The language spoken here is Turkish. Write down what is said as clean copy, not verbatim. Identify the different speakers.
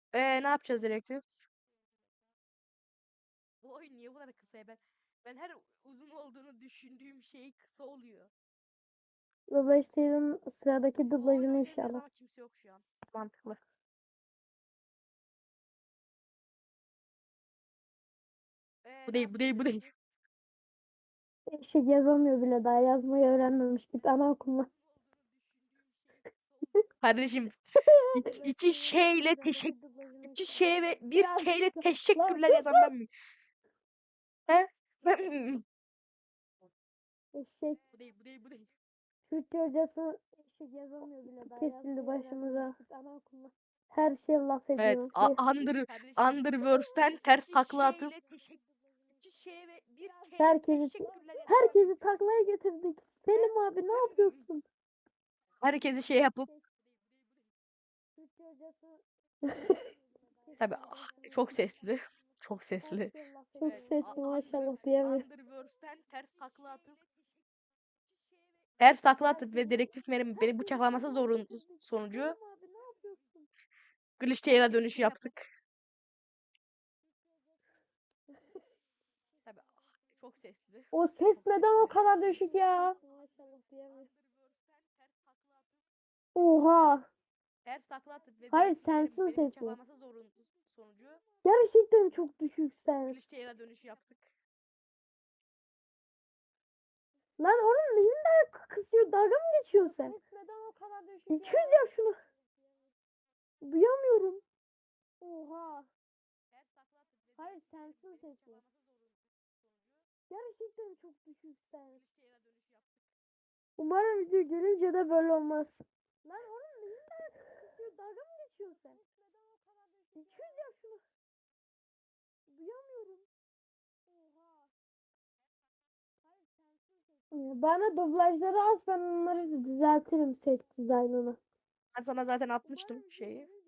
Speaker 1: Ne yapacağız dedektif? Bu oyun niye bu kadar kısa ya? Ben her uzun olduğunu düşündüğüm şey kısa oluyor.
Speaker 2: Dolayısıyla sıradaki
Speaker 1: Bu oyun
Speaker 2: dublajını
Speaker 1: oynayabiliriz
Speaker 2: inşallah.
Speaker 1: ama kimse yok şu an. Mantıklı. Bu değil, bu değil, bu değil.
Speaker 2: Eşek yazamıyor bile, daha yazmayı öğrenmemiş. Git anaokuluna.
Speaker 1: Kardeşim iki şeyle
Speaker 2: Sıradaki dublajını
Speaker 1: iki
Speaker 2: inşallah.
Speaker 1: şey ve bir
Speaker 2: Ya
Speaker 1: K ile
Speaker 2: lan
Speaker 1: teşekkürler yazan ben miyim? He? Ben miyim?
Speaker 2: eşek.
Speaker 1: Bu değil, bu değil, bu değil.
Speaker 2: Türkçe hocası eşek yazamıyor bile, daha kesildi başımıza. Git anaokuluna. Her şey laf
Speaker 1: Evet,
Speaker 2: ediyor.
Speaker 1: Underverse'ten ters takla atıp iki şey ve bir K ile
Speaker 2: Herkesi
Speaker 1: teşekkürler yazan ben miyim?
Speaker 2: herkesi taklaya getirdik. Selim abi ne yapıyorsun?
Speaker 1: Herkesi şey yapıp
Speaker 2: Türkçe hocası
Speaker 1: tabii çok sesli. Çok sesli.
Speaker 2: çok sesli maşallah diyemiyorum.
Speaker 1: Underverse'ten ters takla atıp ve dedektif Merin beni bıçaklaması sonucu
Speaker 2: Selim abi ne yapıyorsun?
Speaker 1: Glitchtail'a dönüş yaptık. Tabii çok sesli.
Speaker 2: O ses neden o kadar düşük ya? Oha.
Speaker 1: Ters takla atıp ve
Speaker 2: Hayır,
Speaker 1: dedektif Merin
Speaker 2: sensin
Speaker 1: beni
Speaker 2: sesi.
Speaker 1: bıçaklaması sonucu
Speaker 2: Gerçekten çok düşük sens.
Speaker 1: Glitchtail'a dönüş yaptık.
Speaker 2: Lan oğlum neyinden kısıyor? Dalga mı geçiyorsun sen? Ses neden o kadar düşük 200 yap şunu. Duyamıyorum. Oha. Hayır, sensin sesi. Gerçekten çok düşük sens. Umarım video gelince de böyle olmaz. Lan oğlum neyinden kısıyor? Dalga mı geçiyorsun sen? 200 yap şunu. Duyamıyorum. Bana dublajları az, ben onları düzeltirim ses dizaynını.
Speaker 1: Ben sana zaten atmıştım şeyi.